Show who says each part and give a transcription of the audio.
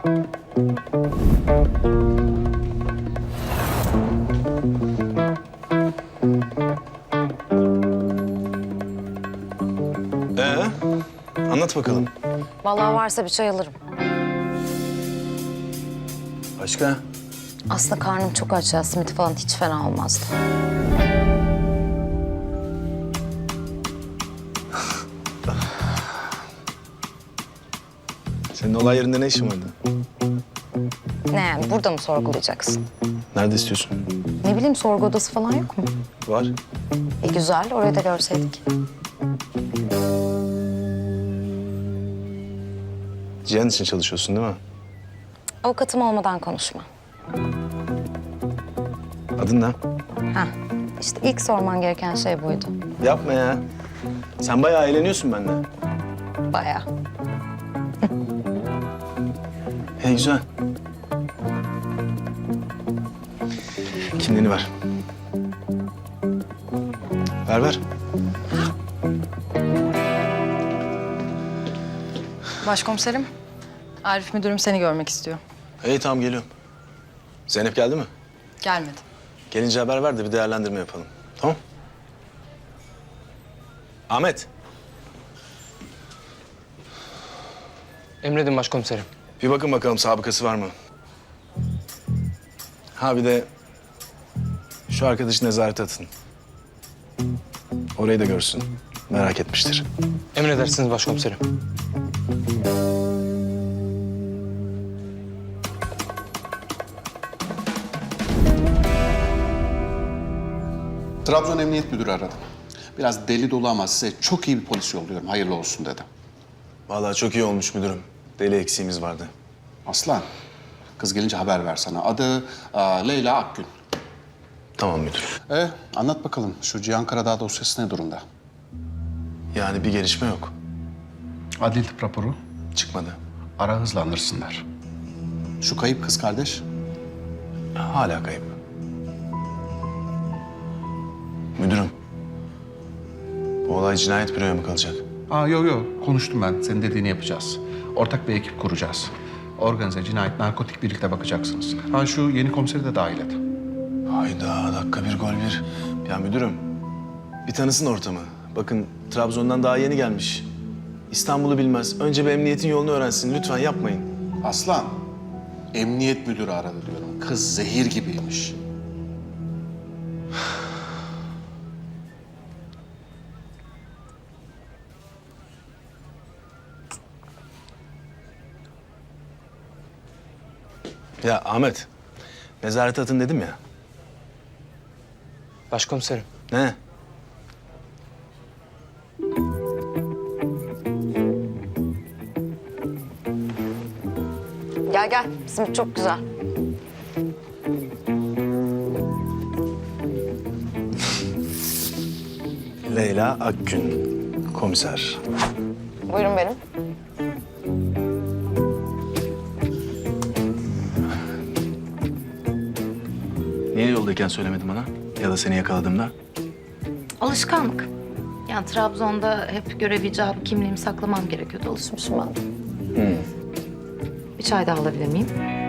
Speaker 1: Anlat bakalım.
Speaker 2: Vallahi varsa bir çay alırım.
Speaker 1: Başka?
Speaker 2: Aslında karnım çok aç ya. Simit falan hiç fena olmazdı.
Speaker 1: Senin olay yerinde ne işin vardı?
Speaker 2: Ne yani? Burada mı sorgulayacaksın?
Speaker 1: Nerede istiyorsun?
Speaker 2: Ne bileyim, sorgu odası falan yok mu?
Speaker 1: Var.
Speaker 2: Güzel. Orayı da görseydik.
Speaker 1: Cihan için çalışıyorsun değil mi?
Speaker 2: Avukatım olmadan konuşma.
Speaker 1: Adın ne?
Speaker 2: Heh. İşte ilk sorman gereken şey buydu.
Speaker 1: Yapma ya. Sen bayağı eğleniyorsun benimle.
Speaker 2: Bayağı.
Speaker 1: Güzel. Kimliğini ver. Ver.
Speaker 3: Başkomiserim, Arif müdürüm seni görmek istiyor.
Speaker 1: Tamam geliyorum. Zeynep geldi mi?
Speaker 3: Gelmedi.
Speaker 1: Gelince haber ver de bir değerlendirme yapalım. Tamam? Ahmet.
Speaker 4: Emredin başkomiserim.
Speaker 1: Bir bakın bakalım sabıkası var mı? Ha bir de şu arkadaşı nezarete atın. Orayı da görsün. Merak etmiştir.
Speaker 4: Emredersiniz başkomiserim.
Speaker 5: Trabzon Emniyet Müdürü aradı. Biraz deli dolu ama size çok iyi bir polis yolluyorum. Hayırlı olsun dedi.
Speaker 1: Vallahi çok iyi olmuş müdürüm. Deli eksiğimiz vardı.
Speaker 5: Aslan, kız gelince haber ver sana. Adı Leyla Akgün.
Speaker 1: Tamam müdür.
Speaker 5: Anlat bakalım şu Cihan Karadağ dosyası ne durumda?
Speaker 1: Yani bir gelişme yok.
Speaker 5: Adli tıp raporu.
Speaker 1: Çıkmadı.
Speaker 5: Ara hızlandırsınlar. Şu kayıp kız kardeş.
Speaker 1: Hala kayıp. Müdürüm. Bu olay cinayet büroya mı kalacak?
Speaker 5: Yok. Konuştum ben. Senin dediğini yapacağız. Ortak bir ekip kuracağız. Organize, cinayet, narkotik birlikte bakacaksınız. Şu yeni komiseri de dahil et.
Speaker 1: Hayda dakika bir gol bir. Ya müdürüm bir tanısın ortamı. Bakın Trabzon'dan daha yeni gelmiş. İstanbul'u bilmez. Önce bir emniyetin yolunu öğrensin. Lütfen yapmayın.
Speaker 5: Aslan, emniyet müdürü aradı diyorum. Kız zehir gibiymiş.
Speaker 1: Ya Ahmet, nezarete atın dedim ya.
Speaker 4: Başkomiserim.
Speaker 1: Ne?
Speaker 2: Gel. Simit çok güzel.
Speaker 1: Leyla Akgün, komiser.
Speaker 2: Buyurun benim.
Speaker 1: Niye yoldayken söylemedin bana? Ya da seni yakaladığımda?
Speaker 2: Alışkanlık. Yani Trabzon'da hep görev icabı kimliğimi saklamam gerekiyordu. Alışmışım ben. Bir çay daha alabilir miyim?